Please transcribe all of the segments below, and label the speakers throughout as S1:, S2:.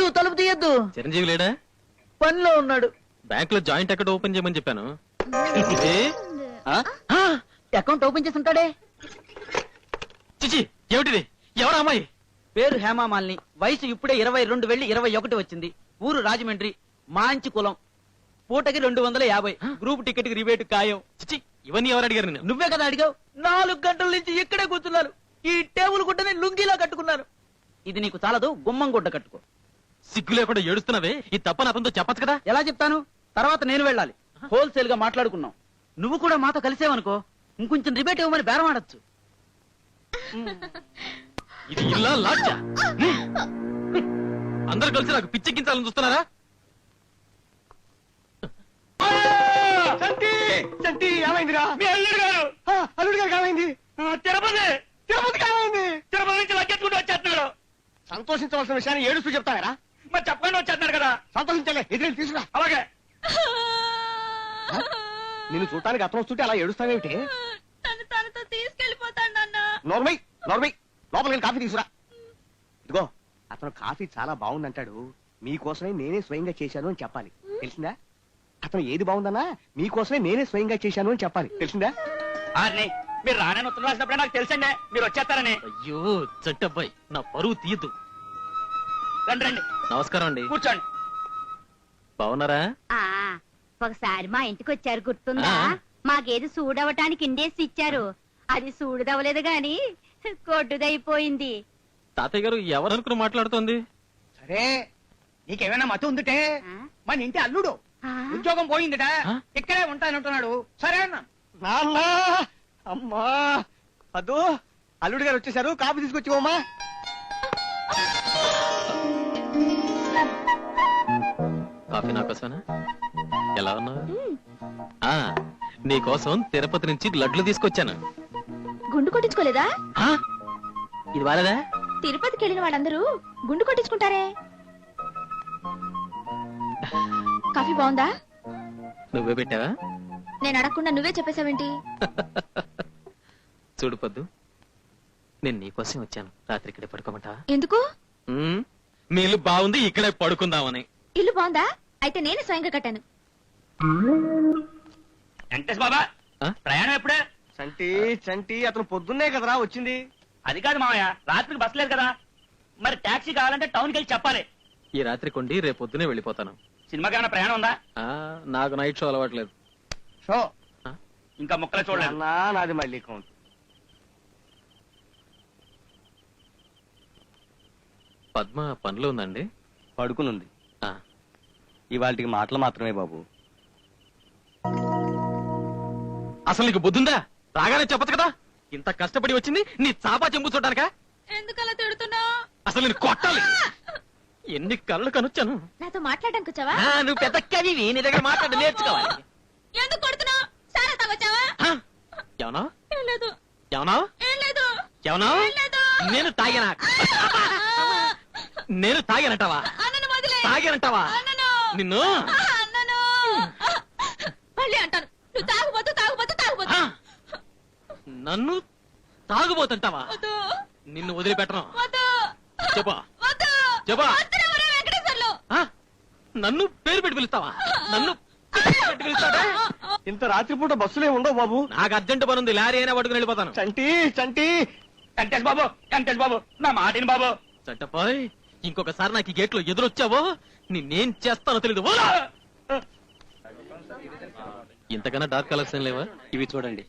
S1: తలుపు తీయద్దు.
S2: చిరంజీవి లేడా?
S1: పనిలో ఉన్నాడు.
S2: బ్యాంక్ లో జాయింట్ అకౌంట్ ఓపెన్ చేయమని చెప్పాను.
S1: అకౌంట్ ఓపెన్ చేసి ఉంటాడే.
S2: చిచి, ఏమిటిది? ఎవరు అమ్మాయి?
S1: పేరు హేమామాలిని. వయసు ఇప్పుడే 22 వెళ్ళి 21 వచ్చింది. ఊరు రాజమండ్రి. మంచి కులం. పూటకి 250. గ్రూప్ టికెట్ కి రిబేట్ ఖాయం.
S2: చిచి, ఇవన్నీ ఎవరు అడిగారు?
S1: నువ్వే కదా అడిగావు. 4 గంటల నుంచి ఇక్కడే కూర్చున్నాను. ఈ టేబుల్ గుడ్డని లుంగిలా కట్టుకున్నాను. ఇది నీకు చాలదు, గుమ్మం గుడ్డ కట్టుకో.
S2: సిగ్గు లేకుండా ఏడుస్తున్నావే. ఈ తప్పని అతనితో చెప్పచ్చు కదా.
S1: ఎలా చెప్తాను? తర్వాత నేను వెళ్ళాలి. హోల్సేల్ గా మాట్లాడుకున్నాం. నువ్వు కూడా మాతో కలిసేవనుకో ఇంకొంచెం రిబేట్ ఇవ్వమని బేరం ఆడొచ్చు.
S2: ఇది ఇల్లా లాడ్జా? అందరు కలిసి నాకు పిచ్చెక్కించాలని చూస్తున్నారా?
S3: ఏమైందిరా? మీ అల్లుడు గారు. అల్లుడు గారు ఏమైంది? తిరుపతి ఏమైంది? తిరుపతి నుంచి లగ్గెత్తుకుంటూ వచ్చేస్తున్నాడు. సంతోషించవలసిన విషయాన్ని ఏడుస్తూ చెప్తారా? మరి చెప్పకుండా వచ్చేస్తున్నాడు కదా. సంతోషించలే, ఎదురు తీసుకురా. అలాగే. నేను చూడటానికి అతను వస్తుంటే అలా ఏడుస్తావేమిటి?
S4: తనతో తీసుకెళ్లిపోతాడు నాన్న.
S3: నోర్మై లోపలికి కాఫీ తీసుకురా. ఇదిగో, అతను కాఫీ చాలా బాగుందంటాడు. మీకోసమే నేనే స్వయంగా చేశాను అని చెప్పాలి, తెలిసిందా? అతను ఏది బాగుందన్నా మీకోసమే నేనే స్వయంగా చేశాను అని చెప్పాలి, తెలిసిందా? మీరు రానని ఉత్తరం రాసినప్పుడే నాకు తెలుసండి మీరు వచ్చేస్తారని.
S2: అయ్యో చట్టబ్బాయి, నా పరువు తీయద్దు.
S3: రండి రండి.
S2: నమస్కారం అండి.
S3: కూర్చోండి.
S2: బాగున్నారా?
S4: ఒకసారి మా ఇంటికి వచ్చారు, గుర్తుందా? మాకేది సూడవటానికి ఇండేసి ఇచ్చారు. అది సూడుదవలేదు గాని కొట్టుదైపోయింది.
S2: తాతయ్య గారు ఎవరనుకుని మాట్లాడుతోంది?
S3: సరే, నీకేమైనా మతం ఉందిటే? మన ఇంటి అల్లుడు ఉద్యోగం పోయిందిట, ఇక్కడే ఉంటానంటున్నాడు. సరే అన్న. నాన్న, అమ్మా, అదో అల్లుడు గారు వచ్చేసారు. కాఫీ తీసుకొచ్చివమ్మా.
S2: కాఫీ నాకోసమేనా? ఎలా ఉన్నావు? నీకోసం తిరుపతి నుంచి లడ్లు తీసుకొచ్చాను.
S4: గుండు కొట్టించుకోలేదా?
S2: ఇది వాలేదా?
S4: తిరుపతికి వెళ్ళిన వాళ్ళందరూ గుండు కొట్టించుకుంటారే. కాఫీ బాగుందా?
S2: నువ్వే పెట్టావా?
S4: నేను అడగకుండా నువ్వే చెప్పేశావేంటి?
S2: చూడు పొద్దు, నేను నీకోసం వచ్చాను. రాత్రి ఇక్కడే పడుకోమంటా?
S4: ఎందుకు?
S2: మీ ఇల్లు బాగుంది, ఇక్కడే పడుకుందామని.
S4: ఇల్లు బాగుందా? అయితే నేనే స్వయంగా కట్టాను.
S3: వెంకటేష్ బాబా, ప్రయాణం ఎప్పుడే? చంటి అతను పొద్దున్నే కదరా వచ్చింది. అది కాదు మామయ్య, రాత్రికి బస్ లేదు కదా. మరి టాక్సీ కావాలంటే టౌన్కి వెళ్ళి చెప్పాలి.
S2: ఈ రాత్రి కొండి రేపు పొద్దునే వెళ్ళిపోతాను.
S3: సినిమాకి ఏమైనా ప్రయాణం ఉందా?
S2: నాకు నైట్ షో అలవాట్లేదు.
S3: షో ఇంకా ముక్కలు చూడలేదు. నాది మళ్ళీ కౌంట్.
S2: పద్మ పనిలో ఉందండి?
S3: పడుకునుంది. ఇవాళకి మాటలు మాత్రమే బాబు.
S2: అసలు నీకు బుద్ధుందా? రాగానే చెప్పచ్చు కదా. ఇంత కష్టపడి వచ్చింది నీ చాపా చెంపు చూడడానికా?
S4: ఎందుకలా తిడుతున్నావు?
S2: అసలు నేను కొట్టాలి. ఎన్ని కళ్ళు కనొచ్చాను.
S4: నాతో మాట్లాడడానికి వచ్చావా?
S2: నువ్వు పెద్ద కవివి, నీ దగ్గర మాట్లాడి నేర్చుకోవాలి.
S4: ఎందుకు కొడుతున్నావు? సారా తాగొచ్చావా?
S2: ఏమన్నా?
S4: ఏం లేదు.
S2: ఏమన్నా?
S4: ఏం లేదు.
S2: ఏమన్నా?
S4: ఏం లేదు.
S2: నేను తాగినా? నేను తాగానంటావా?
S4: అన్నను వదిలే.
S2: తాగానంటావా?
S4: అన్నను.
S2: నిన్ను
S4: అన్నను. మళ్ళీ అంటాను, నువ్వు తాగుబోతు తాగుబోతు తాగుబోతు.
S2: నన్ను తాగుబోతుంటావా?
S4: వద్దు.
S2: నిన్ను వదిలిపెట్టను.
S4: వద్దు.
S2: చెప్పా
S4: వద్దు.
S2: చెప్పా.
S4: వద్దురా వెంకటేశ్వర్లు.
S2: నన్ను పేరు పెట్టి పిలుస్తావా? నన్ను పేరు పెట్టి పిలుస్తావా?
S3: ఇంత రాత్రిపూట బస్సులే ఉండవు బాబు.
S2: నాకు అర్జెంట్ పని ఉంది, లారీ అయినా పట్టుకుని వెళ్ళిపోతాను.
S3: చంటి వెంకటేష్ బాబు నా మాటిని బాబు.
S2: చట్టపోయ్, ఇంకొకసారి నాకు ఈ గేట్ లో ఎదురొచ్చావో నిన్నేం చేస్తానో తెలీదు. ఇంతకన్నా డార్క్ కలర్స్ ఏం లేవా?
S3: ఇవి చూడండి.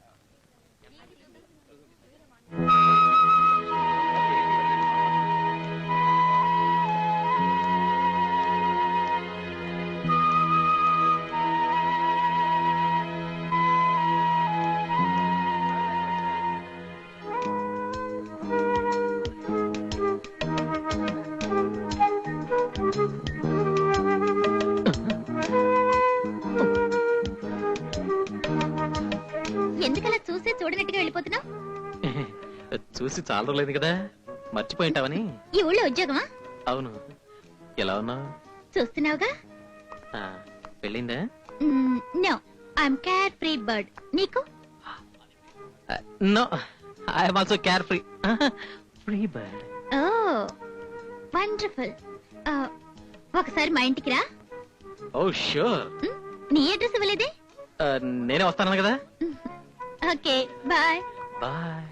S4: ఎందుకలా చూసే చూడనట్టుగా వెళ్ళిపోతున్నావు?
S2: చూసి చాలా రోజులైంది కదా, మర్చిపోయింటావని.
S4: ఈ ఊళ్ళో ఉద్యోగమా?
S2: అవును. ఎలా ఉన్నావు?
S4: చూస్తున్నావుగా.
S2: పెళ్ళిందా?
S4: No, I'm carefree bird. నీకు?
S2: No, I'm also carefree. Free bird.
S4: Oh wonderful. ఒకసారి మా ఇంటికి రా.
S2: Oh sure.
S4: నీ అడ్రస్ ఇవ్వలేదే?
S2: నేనే వస్తాను కదా.
S4: Okay bye.
S2: Bye.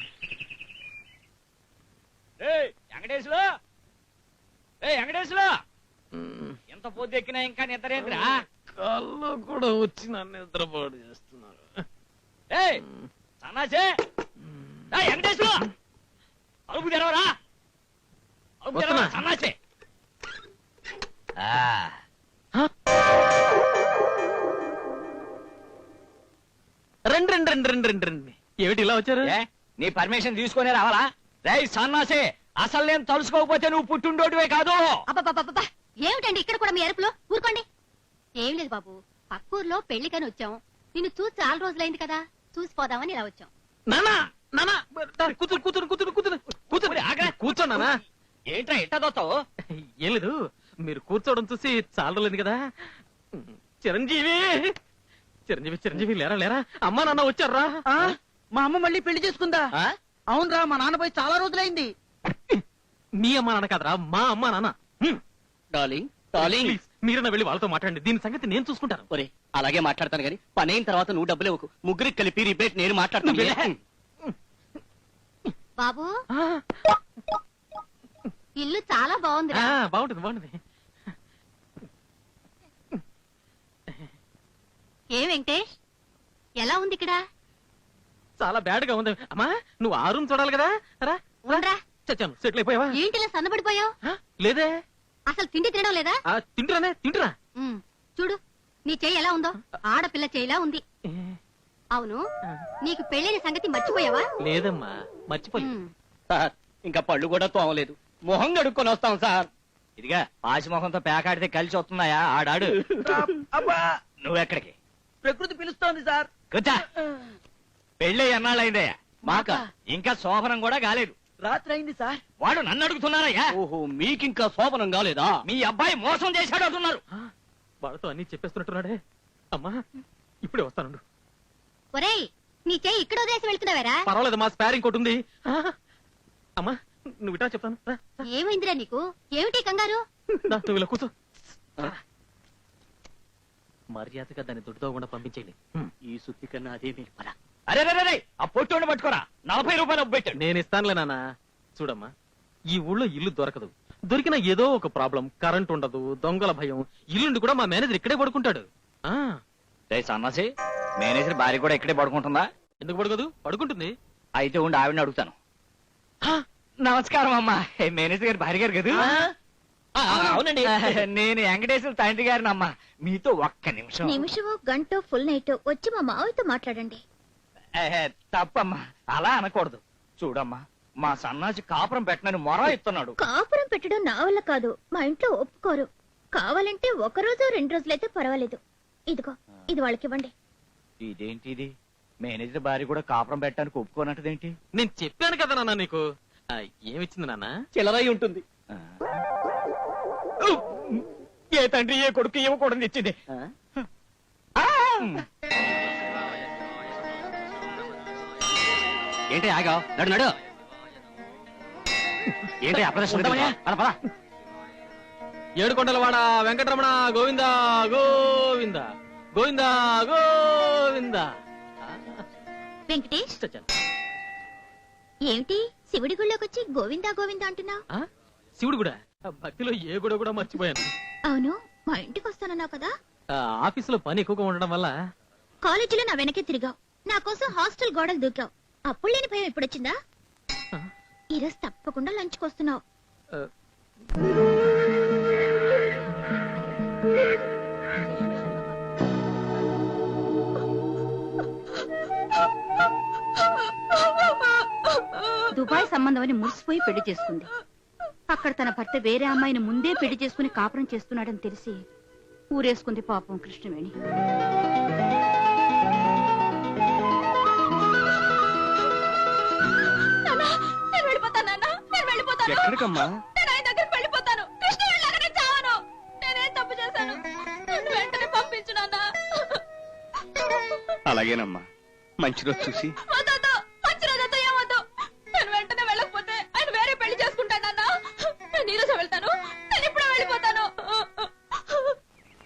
S1: Venkateswara Venkateswara ఎంత పొద్దు ఎక్కినా ఇంకా నిద్రేంద్రా?
S2: కళ్ళు కూడా వచ్చి నన్ను నిద్రపాటు చేస్తున్నారు.
S1: సన్నాసే వెంకటేశ్వర అలుపు తెరవరా, అలుపు తెరవరా సన్నాసే.
S2: రండి రండి రండి రండి రండి రండి. ఏమిటి ఇలా వచ్చారు?
S1: నీ పర్మిషన్ తీసుకునే రావాలా? రేయ్ సన్నాసే, అసలు నేను తలుసుకోకపోతే నువ్వు పుట్టుండోటివే కాదు.
S4: అబ్బబ్బబ్బబ్బా, ఏమిటండి ఇక్కడ కూడా మీ అరుపులో? ఊరుకోండి. ఏం లేదు బాబు, పక్కూర్లో పెళ్లికని వచ్చాం. నిన్ను చూసి చాలా రోజులైంది కదా, చూసిపోదామని ఇలా వచ్చాం.
S2: నానా నానా కూతురు కూతురు కూతురు కూతురు కూతురు కూర్చో నానా.
S1: ఏంట్రా ఎట్టదోతావు?
S2: ఏం లేదు, మీరు కూర్చోవడం చూసి చాలా రోజులైంది కదా. చిరంజీవి చిరంజీవి చిరంజీవి లేరా లేరా, అమ్మా నాన్న వచ్చారా?
S1: మా అమ్మ మళ్ళీ పెళ్లి చేసుకుందా? అవునరా, మా నాన్న పోయి చాలా రోజులైంది.
S2: మీ అమ్మా నాన్న కాదరా, మా అమ్మా నాన్న.
S3: డార్లింగ్ డార్లింగ్,
S2: ప్లీజ్ మీరన్నా వెళ్ళి వాళ్ళతో మాట్లాడండి, దీని సంగతి నేను చూసుకుంటాను.
S3: ఒరే అలాగే మాట్లాడతాను కానీ పని అయిన తర్వాత నువ్వు డబ్బులు ఇవ్వకు. ముగ్గురికి కలిపి రిబేట్ నేను మాట్లాడతాను.
S4: బాబు, ఇల్లు చాలా బాగుంది.
S2: బాగుంటుంది బాగుంటుంది.
S4: ఏ వెంకటేష్, ఎలా ఉంది ఇక్కడ?
S2: చాలా బ్యాడ్ గా ఉంది. అమ్మా నువ్వు ఆ రూమ్ చూడాలి కదా. రా
S4: ఉండరా.
S2: చచ్చాను, సెటిల్ అయిపోయావా?
S4: ఏంటిలా సన్నబడిపోయావు?
S2: లేదే.
S4: అసలు తిండి తినడం లేదా?
S2: తింటురానే తింటురా.
S4: చూడు, నీ చెయ్యి ఎలా ఉందో, ఆడపిల్ల చెయ్యిలా ఉంది. అవును, నీకు పెళ్ళైన సంగతి మర్చిపోయావా?
S2: లేదమ్మా, మర్చిపోలేదు.
S3: సార్ ఇంకా పళ్ళు కూడా తోమలేదు, మొహం కడుక్కొని వస్తాం సార్.
S1: ఇదిగా పాసి మొహంతో పేకాడితే కలిసి వస్తున్నాయా? ఆడాడు. నువ్వెక్కడికి?
S5: ప్రకృతి పిలుస్తోంది సార్.
S1: కూర్చో. పెళ్ళి ఎన్నాళ్ళైందయ్యా?
S3: మాక
S1: ఇంకా శోభనం కూడా కాలేదు.
S5: రాత్రి అయింది సార్.
S1: వాడు నన్ను అడుగుతున్నారయ్యా.
S3: ఓహో, మీకింకా శోభనం కాలేదా?
S1: మీ అబ్బాయి మోసం చేశాడు అంటున్నారు.
S2: వాళ్ళతో అన్ని చెప్పేస్తున్నట్టున్నాడే. అమ్మా ఇప్పుడే వస్తాను.
S4: ఒరేయ్, నీ చెయ్యి ఇక్కడ వదిలేసి వెళ్తున్నావేరా?
S2: పర్వాలేదు, మా స్పేర్ ఇంకోటి ఉంది. అమ్మా నువ్వు ఇటా చెప్తాను.
S4: ఏమైందిరా నీకు? ఏమిటి కంగారు?
S2: నువ్వు ఇలా కూర్చో. మర్యాదగా దాన్ని దొడ్డుతోకుండా పంపించేయండి.
S3: ఈ సుత్తి కన్నా అదే మీరు పరా.
S1: అరే ఆ పొట్టు పట్టుకోరా, 40 రూపాయలు పెట్టాడు.
S2: నేను ఇస్తానులే నాన్న. చూడమ్మా, ఈ ఊళ్ళో ఇల్లు దొరకదు. దొరికిన ఏదో ఒక ప్రాబ్లం, కరెంట్ ఉండదు, దొంగల భయం. ఇల్లుండి కూడా మా మేనేజర్ ఇక్కడే పడుకుంటాడు.
S1: సన్నాసి, మేనేజర్ భార్య కూడా ఇక్కడే పడుకుంటుందా?
S2: ఎందుకు పడుకోదు? పడుకుంటుంది.
S1: అయితే ఉండి ఆవిడని అడుగుతాను. నమస్కారం అమ్మా, మేనేజర్ గారి భార్య గారు కదా?
S3: అవునండి.
S1: నేను వెంకటేశ్వర తండ్రి గారిని అమ్మా. మీతో ఒక్క నిమిషం.
S4: నిమిషమో గంటో ఫుల్ నైట్ వచ్చి మా మావయ్యతో మాట్లాడండి.
S1: తప్పమ్మా, అలా అనకూడదు. చూడమ్మా, మా సన్నాసి కాపురం పెట్టనని మొర ఇస్తున్నాడు.
S4: కాపురం పెట్టడం నా వల్ల కాదు, మా ఇంట్లో ఒప్పుకోరు. కావాలంటే 1 రోజు 2 రోజులైతే పర్వాలేదు. ఇదిగో, ఇది వాళ్ళకి ఇవ్వండి.
S1: ఇదేంటిది? మేనేజర్ భార్య కూడా కాపురం పెట్టడానికి ఒప్పుకోనట్టదేంటి?
S2: నేను చెప్పాను కదా నాన్న నీకు. ఏమిచ్చింది నాన్న?
S3: చిల్లరై ఉంటుంది.
S1: ఏ తండ్రి ఏ కొడుకు ఇవ్వకూడదు ఇచ్చింది.
S3: ఏంటి ఆగావు? నడు నడు. ఏంటి అప్రదర్శన?
S2: ఏడుకొండలవాడ వెంకటరమణ గోవింద గోవింద గోవింద గోవింద.
S4: వెంకటేష్,
S2: చచ్చాను.
S4: ఏమిటి శివుడి గుళ్ళోకి వచ్చి గోవిందా గోవిందా అంటున్నావు?
S2: శివుడు కూడా భక్తిలో ఏ గుడ కూడా మర్చిపోయాను.
S4: అవును, మా ఇంటికి వస్తానన్నావు కదా.
S2: ఆఫీసులో పని ఎక్కువగా ఉండడం వల్ల.
S4: కాలేజీలో నా వెనకే తిరిగావు, నా కోసం హాస్టల్ గోడలు దూకావు. అప్పుడు లేని భయం ఎప్పుడొచ్చిందా? ఈరోజు తప్పకుండా లంచ్కి వస్తున్నావు.
S6: దుబాయ్ సంబంధం అని మురిసిపోయి పెళ్లి చేసుకుంది. అక్కడ తన భర్త వేరే అమ్మాయిని ముందే పెళ్లి చేసుకుని కాపురం చేస్తున్నాడని తెలిసి ఊరేసుకుంది పాపం కృష్ణవేణి.
S3: ఎక్కడికమ్మా? అలాగేనమ్మా, మంచి రోజు చూసి